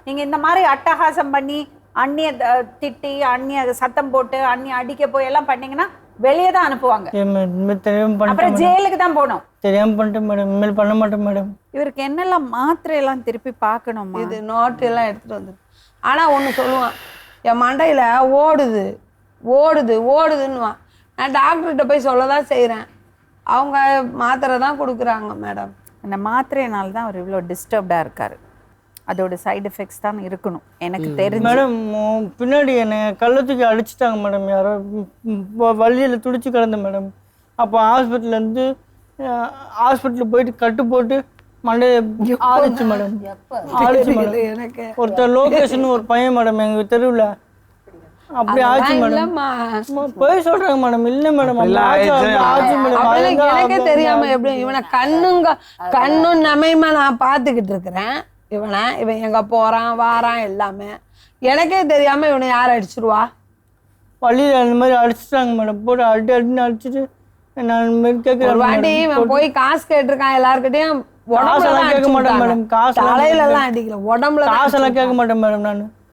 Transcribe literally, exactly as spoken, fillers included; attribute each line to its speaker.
Speaker 1: நீங்க இந்த மாதிரி அட்டகாசம் பண்ணி அண்ணிய த- திட்டி அண்ணிய சத்தம் போட்டு அண்ணி அடிக்க போய் எல்லாம் பண்ணீங்கன்னா வெளியே தான் அனுப்புவாங்க.
Speaker 2: தெரியாம பண்ணிட்டேன்
Speaker 1: அப்புறம் ஜெயிலுக்கு தான் போகணும்.
Speaker 2: தெரியாம பண்ணிட்டேன் மேடம், இனிமேல் பண்ண மாட்டேன் மேடம்.
Speaker 1: இவருக்கு என்னெல்லாம் மாத்திரை எல்லாம் திருப்பி பார்க்கணுமா?
Speaker 3: இது நோட்டு எல்லாம் எடுத்துட்டு வந்து ஆனா ஒண்ணு சொல்லுவான், என் மண்டையில ஓடுது ஓடுது ஓடுதுன்னுவான். நான் டாக்டர்கிட்ட போய் சொல்லதான் செய்றேன், அவங்க மாத்திரை தான் கொடுக்குறாங்க மேடம்.
Speaker 1: அந்த மாத்திரையினால தான் அவர் இவ்வளோ டிஸ்டர்ப்டாக இருக்காரு. அதோட சைடு எஃபெக்ட்ஸ் தான் இருக்கணும் எனக்கு தெரிஞ்சு.
Speaker 2: மேடம் உம், பின்னாடி என்னை கள்ளத்துக்கு அடிச்சிட்டாங்க மேடம் யாரோ. வழியில் துடிச்சு கிடந்தேன் மேடம். அப்போ ஹாஸ்பிட்டல்லேருந்து ஹாஸ்பிட்டல் போயிட்டு கட்டு போட்டு மண்டையை ஆடிச்சு மேடம். ஆடிச்சு மேடம்.
Speaker 3: எனக்கு
Speaker 2: ஒருத்தர் லோகேஷன் ஒரு பையன் மேடம் எங்கள் தெருவில் அப்படி ஆச்சு மேடம்.
Speaker 3: இல்லம்மா,
Speaker 2: போய் சொல்கிறாங்க மேடம். இல்லை மேடம் அப்படி ஆச்சு ஆச்சு மேடம்.
Speaker 3: அப்பெல்லாம்
Speaker 2: அழகா
Speaker 3: எனக்கே தெரியாம எப்படி இவனை கண்ணுங்க கண்ணும் நமையுமா நான் பார்த்துக்கிட்டு இருக்கிறேன். இவனை இவன் எங்க போறான் வாரான் எல்லாமே எனக்கே தெரியாம இவனை யார் அடிச்சிருவா?
Speaker 2: வழியில் அந்த மாதிரி அடிச்சிட்டாங்க மேடம். போட்டு அடி அடின்னு அடிச்சுட்டு நான் இந்த மாதிரி
Speaker 3: ஒரு
Speaker 2: கேட்குறேன்
Speaker 3: வாட்டி இவன் போய் காசு கேட்டிருக்கான் எல்லார்கிட்டயும்.
Speaker 2: காசெல்லாம் கேட்க மாட்டேன் மேடம். காசு
Speaker 3: தலையில எல்லாம் அடிக்கல, உடம்புல தான்
Speaker 2: காசெல்லாம் கேட்க மாட்டேன் மேடம். நான்